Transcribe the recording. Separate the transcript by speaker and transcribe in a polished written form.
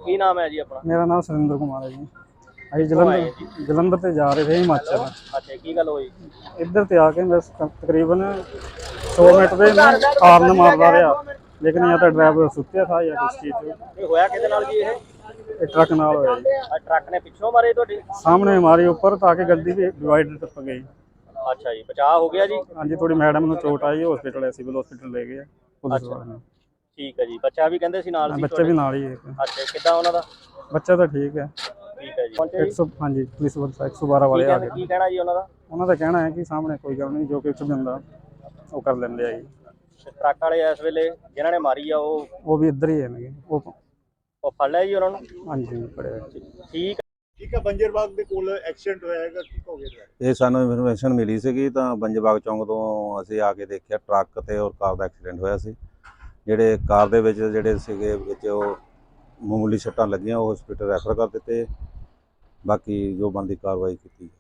Speaker 1: ਕੀ ਨਾਮ ਹੈ ਜੀ ਆਪਣਾ?
Speaker 2: ਮੇਰਾ ਨਾਮ ਸੁਰਿੰਦਰ ਕੁਮਾਰ ਹੈ ਜੀ। ਅਸੀਂ
Speaker 1: ਕਿੱਥੋਂ ਆਏ ਜੀ?
Speaker 2: ਜਲੰਧਰ ਤੇ ਜਾ ਰਹੇ थे ਹਿਮਾਚਲ।
Speaker 1: ਅੱਛਾ, ਕੀ ਗੱਲ ਹੋਈ?
Speaker 2: ਇੱਧਰ ਤੇ ਆ ਕੇ ਬਸ ਤਕਰੀਬਨ 100 ਮਿੰਟ ਦੇ ਹਾਰਨ ਮਾਰਦਾ ਰਿਹਾ, ਲੇਕਿਨ ਜਾਂ ਤਾਂ ਡਰਾਈਵਰ ਸੁੱਤਿਆ था ਜਾਂ ਕੁਛ ਚੀਜ਼
Speaker 1: ਇਹ ਹੋਇਆ ਕਿਹਦੇ ਨਾਲ ਜੀ?
Speaker 2: ਇਹ ਟਰੱਕ ਨਾਲ ਹੋਇਆ ਜੀ।
Speaker 1: ਟਰੱਕ ਨੇ ਪਿੱਛੋਂ ਮਾਰੇ ਤੁਹਾਡੀ?
Speaker 2: ਸਾਹਮਣੇ ਮਾਰੀ ਉੱਪਰ ਤਾਂ ਕਿ ਗੱਡੀ ਦੀ ਡਿਵਾਈਡਰ ਟੱਪ ਗਈ।
Speaker 1: ਅੱਛਾ ਜੀ, ਬਚਾਅ ਹੋ ਗਿਆ ਜੀ?
Speaker 2: ਹਾਂਜੀ, ਥੋੜੀ ਮੈਡਮ ਨੂੰ ਚੋਟ ਆਈ, ਹਸਪੀਟਲ ਸਿਵਲ ਹਸਪੀਟਲ ਲੈ ਗਏ ਪੁਲਿਸ ਵਾਲੇ ਨੇ।
Speaker 1: ਠੀਕ ਹੈ ਜੀ, ਬੱਚਾ ਵੀ ਕਹਿੰਦੇ ਸੀ ਨਾਲ ਸੀ
Speaker 2: ਬੱਚਾ ਵੀ ਨਾਲ ਹੀ ਹੈ।
Speaker 1: ਅੱਛਾ, ਕਿੱਦਾਂ ਉਹਨਾਂ ਦਾ?
Speaker 2: ਬੱਚਾ ਤਾਂ ਠੀਕ ਹੈ।
Speaker 1: ਠੀਕ ਹੈ ਜੀ।
Speaker 2: 100 ਹਾਂਜੀ, ਪੁਲਿਸ 112 ਵਾਲੇ ਆ ਗਏ।
Speaker 1: ਕੀ ਕਹਿਣਾ ਜੀ ਉਹਨਾਂ ਦਾ?
Speaker 2: ਉਹਨਾਂ ਦਾ ਕਹਿਣਾ ਹੈ ਕਿ ਸਾਹਮਣੇ ਕੋਈ ਗੱਲ ਨਹੀਂ, ਜੋ ਕੁਛ ਵੀ ਹੁੰਦਾ ਉਹ ਕਰ ਲੈਂਦੇ ਆ ਜੀ।
Speaker 1: ਟਰੱਕ ਵਾਲੇ ਇਸ ਵੇਲੇ ਜਿਨ੍ਹਾਂ ਨੇ ਮਾਰੀ ਆ
Speaker 2: ਉਹ ਵੀ ਇੱਧਰ ਹੀ ਹੈ।
Speaker 1: ਉਹ ਫੜ ਲਿਆ ਜੀ ਉਹਨਾਂ ਨੂੰ?
Speaker 2: ਹਾਂਜੀ, ਫੜਿਆ।
Speaker 1: ਠੀਕ ਹੈ।
Speaker 3: ਬੰਜਰ ਬਾਗ ਦੇ ਕੋਲ ਐਕਸੀਡੈਂਟ ਹੋਇਆ ਹੈਗਾ, ਕੀ ਕਹੋਗੇ?
Speaker 4: ਇਹ ਸਾਨੂੰ ਇਨਫੋਰਮੇਸ਼ਨ ਮਿਲੀ ਸੀਗੀ ਤਾਂ ਬੰਜਰ ਬਾਗ ਚੌਂਕ ਤੋਂ ਅਸੀਂ ਆ ਕੇ ਦੇਖਿਆ ਟਰੱਕ ਤੇ ਔਰ ਕਾਰ ਦਾ ਐਕਸੀਡੈਂਟ ਹੋਇਆ ਸੀ। ਜਿਹੜੇ ਕਾਰ ਦੇ ਵਿੱਚ ਜਿਹੜੇ ਸੀਗੇ ਵਿੱਚ ਉਹ ਮਾਮੂਲੀ ਸੱਟਾਂ ਲੱਗੀਆਂ, ਉਹ ਹਸਪੀਟਲ ਰੈਫਰ ਕਰ ਦਿੱਤੇ। ਬਾਕੀ ਜੋ ਬਣਦੀ ਕਾਰਵਾਈ ਕੀਤੀ।